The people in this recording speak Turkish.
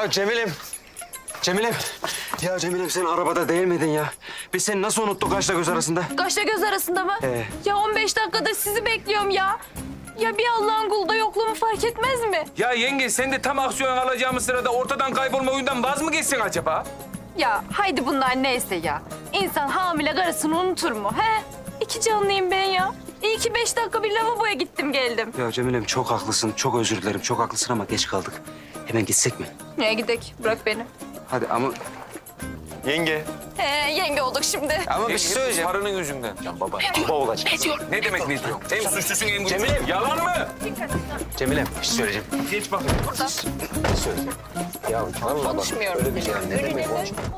Ya Cemil'im. Cemil'im. Ya Cemil'im sen arabada değil miydin ya? Biz seni nasıl unuttuk kaşla göz arasında? Kaşla göz arasında mı? Ya 15 dakikadır sizi bekliyorum ya. Ya bir Allah'ın kulu da yokluğumu fark etmez mi? Ya yenge sen de tam aksiyon alacağımız sırada ortadan kaybolma oyundan vaz mı geçsin acaba? Ya haydi bunlar neyse ya. İnsan hamile karısını unutur mu? He? İki canlıyım ben ya. İyi ki 5 dakika bir lavaboya gittim geldim. Ya Cemil'im çok haklısın, çok özür dilerim. Çok haklısın ama geç kaldık. Hemen gitsek mi? Neye gidek? Bırak beni. Hadi ama... Yenge. Yenge olduk şimdi. Ama bir şey söyleyeceğim. Paranın yüzünden. Can baba. Baba olacak. Ne demek ne diyor? Hem suçlusun hem Cemil'im. Yalan mı? Cemil'im bir şey söyleyeceğim. Geç bakayım. Bir şey söyleyeceğim. Ya vallahi bak, Konuşmuyorum. öyle bir şey. Ne demek konuşma?